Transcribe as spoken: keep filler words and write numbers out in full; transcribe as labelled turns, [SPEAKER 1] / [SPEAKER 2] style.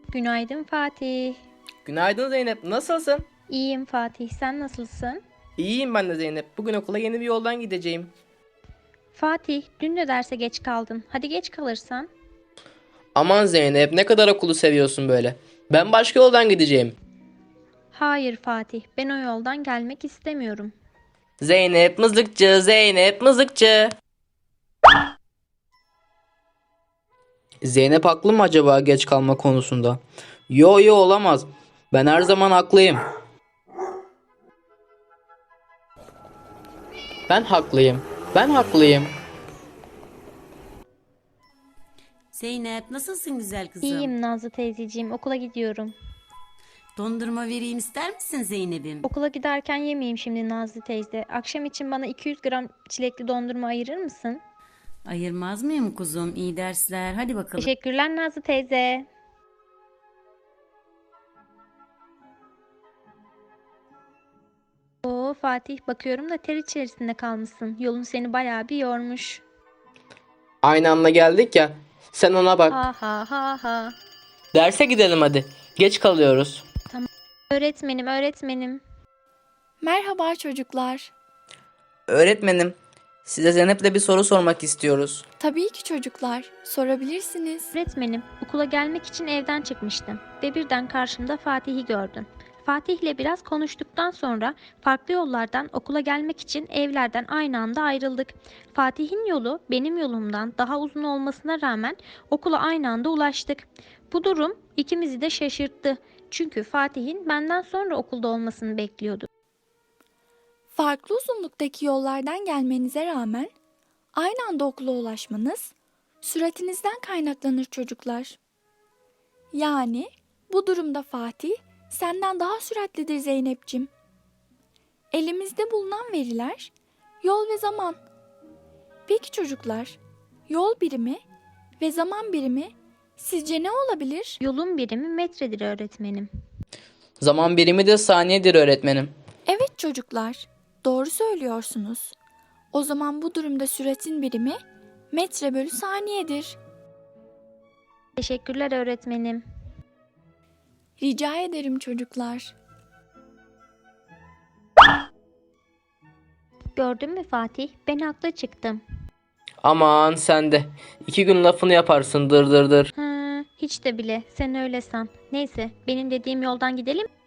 [SPEAKER 1] Günaydın Fatih.
[SPEAKER 2] Günaydın Zeynep, nasılsın?
[SPEAKER 1] İyiyim Fatih, sen nasılsın?
[SPEAKER 2] İyiyim ben de Zeynep. Bugün okula yeni bir yoldan gideceğim.
[SPEAKER 1] Fatih, dün de derse geç kaldın. Hadi geç kalırsan.
[SPEAKER 2] Aman Zeynep, ne kadar okulu seviyorsun böyle. Ben başka yoldan gideceğim.
[SPEAKER 1] Hayır Fatih, ben o yoldan gelmek istemiyorum.
[SPEAKER 2] Zeynep mızıkçı, Zeynep mızıkçı. Zeynep haklı mı acaba geç kalma konusunda? Yo yo olamaz. Ben her zaman haklıyım. Ben haklıyım. Ben haklıyım.
[SPEAKER 3] Zeynep nasılsın güzel kızım?
[SPEAKER 1] İyiyim Nazlı teyzeciğim, okula gidiyorum.
[SPEAKER 3] Dondurma vereyim ister misin Zeynep'im?
[SPEAKER 1] Okula giderken yemeyeyim şimdi Nazlı teyze. Akşam için bana iki yüz gram çilekli dondurma ayırır mısın?
[SPEAKER 3] Ayırmaz mıyım kuzum? İyi dersler. Hadi bakalım.
[SPEAKER 1] Teşekkürler Nazlı teyze. Oo Fatih, bakıyorum da ter içerisinde kalmışsın. Yolun seni bayağı bir yormuş.
[SPEAKER 2] Aynı anda geldik ya. Sen ona bak.
[SPEAKER 1] Ha ha ha ha.
[SPEAKER 2] Derse gidelim hadi. Geç kalıyoruz.
[SPEAKER 1] Öğretmenim, öğretmenim.
[SPEAKER 4] Merhaba çocuklar.
[SPEAKER 2] Öğretmenim, size Zeynep'le bir soru sormak istiyoruz.
[SPEAKER 4] Tabii ki çocuklar, sorabilirsiniz.
[SPEAKER 1] Öğretmenim, okula gelmek için evden çıkmıştım ve birden karşımda Fatih'i gördüm. Fatih'le biraz konuştuktan sonra farklı yollardan okula gelmek için evlerden aynı anda ayrıldık. Fatih'in yolu benim yolumdan daha uzun olmasına rağmen okula aynı anda ulaştık. Bu durum ikimizi de şaşırttı. Çünkü Fatih'in benden sonra okulda olmasını bekliyordu.
[SPEAKER 4] Farklı uzunluktaki yollardan gelmenize rağmen aynı anda okula ulaşmanız süratinizden kaynaklanır çocuklar. Yani bu durumda Fatih senden daha süratlidir Zeynep'cim. Elimizde bulunan veriler yol ve zaman. Peki çocuklar, yol birimi ve zaman birimi sizce ne olabilir?
[SPEAKER 1] Yolun birimi metredir öğretmenim.
[SPEAKER 2] Zaman birimi de saniyedir öğretmenim.
[SPEAKER 4] Evet çocuklar, doğru söylüyorsunuz. O zaman bu durumda süratin birimi metre bölü saniyedir.
[SPEAKER 1] Teşekkürler öğretmenim.
[SPEAKER 4] Rica ederim çocuklar.
[SPEAKER 1] Gördün mü Fatih? Ben haklı çıktım.
[SPEAKER 2] Aman sen de. İki gün lafını yaparsın dır dır dır.
[SPEAKER 1] Hı, hiç de bile. Sen öyle san. Neyse, benim dediğim yoldan gidelim.